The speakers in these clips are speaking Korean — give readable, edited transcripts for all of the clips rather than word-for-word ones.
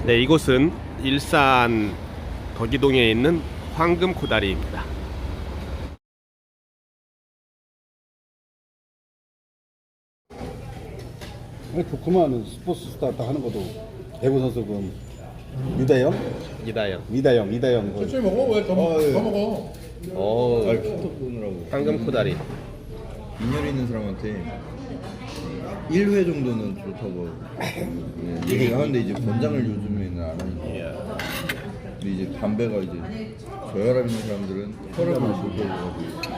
네, 이곳은 일산 덕이동에 있는 황금코다리입니다. 좋구만. 스포츠 스타 딱 하는 것도 배구 선수 그 유다영? 이다영. 천천히 먹어. 왜 더 먹어? 황금코다리. 인연 있는 사람한테 1회 정도는 좋다고 얘기를 하는데 이제 권장을 요즘에는 안 하니까. 근데 이제 담배가 이제 저혈압 있는 사람들은 혈압을 조절해가지고.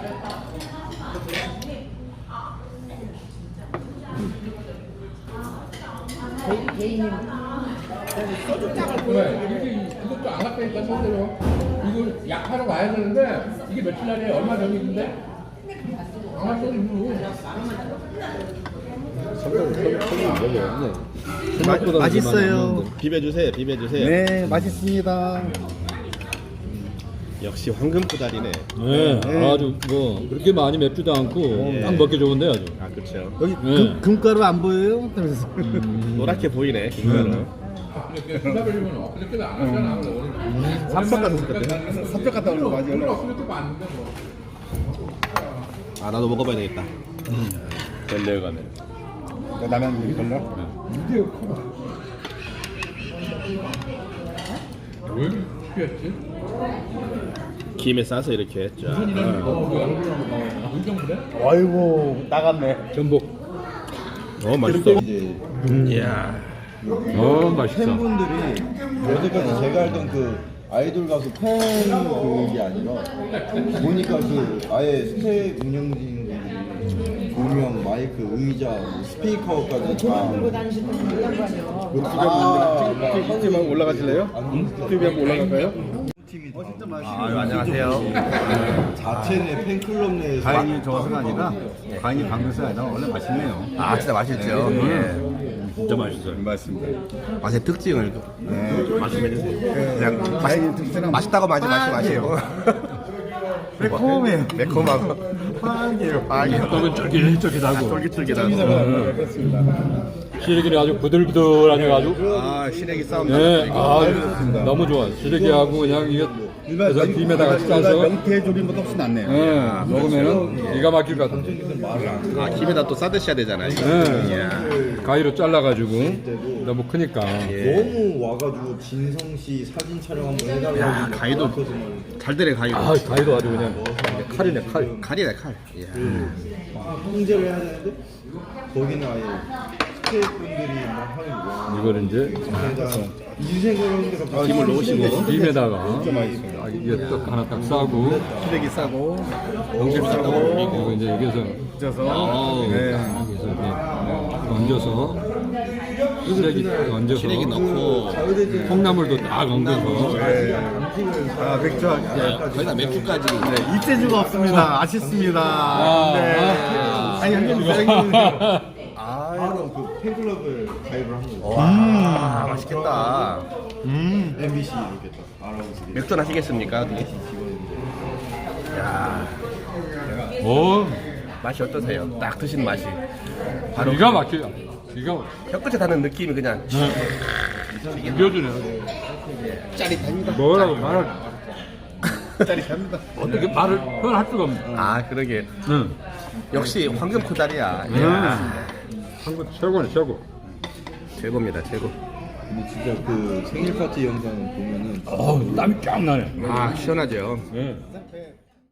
개인님 소주장을 보내. 이것도 안 갔다니까 실제로. 이거 약하러 가야 되는데 이게 며칠 날에 얼마 전인데? 안 갔어 이거. 맛있어요. 비벼주세요. 네, 맛있습니다. 역시 황금코다리네. 네, 아주 뭐 그렇게 많이 맵지도 않고 딱 먹기 좋은데 아주. 아, 그렇죠. 여기 네. 금가루 안 보여요? 노랗게 보이네. 김가루. 그러면 엊그저께도 안 갔잖아. 삽벽 갔다 오는 거 맞지? 엊그저께도 봤는데 뭐. 아, 나도 먹어봐야 되겠다. 벨레가네. 라면 걸라? 왜 이렇게 했지? 김에 싸서 이렇게 쫙. 의정부래? 아이고 나갔네. 전복. 맛있어. 이제 이야. 맛있어. 팬분들이 여태까지 제가 알던 그 아이돌 가수 팬 그게 아니라 보니까 그 아예 스텝 운영진들이 조명, 마이크, 의자, 뭐 스피커까지 다 들고 다니시는 분들 있단 말이에요. 유튜브 한번 올라가실래요? 유튜브 한번 올라갈까요? 팀이 다 안녕하세요. 자체 내 팬클럽 내에서 과인이 좋아서가 아니라 과인이 방금서가 아니라 원래 맛있네요. 아, 진짜 맛있죠. 진짜 맛있어요. 맞습니다. 맛의 특징을 말씀해주세요. 그냥 과인이 특징은 맛있다고 하지 마시고. 매콤해요. 매콤하고. 빵이에요. 떡은 쫄깃쫄깃하고 쫄깃쫄깃하고. 시래기는 아주 부들부들하니 아주. 아, 시래기 싸움. 네, 너무 좋아. 시래기하고 그냥 이게 그래서 김에다 같이 싸서 명태 조림보다 훨씬 낫네요. 먹으면은 기가 막힐 것 같아. 아, 김에다 또 싸드셔야 되잖아요. 가위로 잘라가지고 너무 크니까. 너무 와가지고 진성 씨 사진 촬영 한번 해달라고. 야, 가위도 잘 되네, 가위도. 아, 가위도 아주 그냥 칼이네 칼. 칼이네, 칼. 이야. 통제를 해야 되는데 거기는 아예 스태프분들이 막 하는 거야. 이거를 이제 인생을 하는데 갑자기 김을 넣으시고. 김에다가 이게 떡 하나 딱 싸고 시래기 싸고. 농심 싸고 그리고 이제 여기서 여기서 이렇게 얹어서 시래기 얹어서 시래기 넣고. 콩나물도 딱 얹어서 아 맥주 거의 다 맥주까지. 입세주가 없습니다. 아쉽습니다. 아니 형님 바로 그 팬클럽을 가입을 한 거예요. 와, 맛있겠다. MBC 이렇게 딱 알아보시게. 맥주 하시겠습니까? 어떻게? 야, 오 맛이 어떠세요? 딱 드신 맛이. 바로 기가 막혀. 기가 혀끝에 닿는 느낌이 그냥. 비벼주네. 짜릿합니다. 뭐라고 말을 짜릿합니다. 어떻게 말을 표현할 수가 없네. 아, 그러게. 응. 역시 황금코다리야. 한국 최고네 최고. 최고입니다, 최고. 근데 진짜 그 생일 파티 영상 보면은 땀이 쫙 나네. 아, 시원하죠. 네.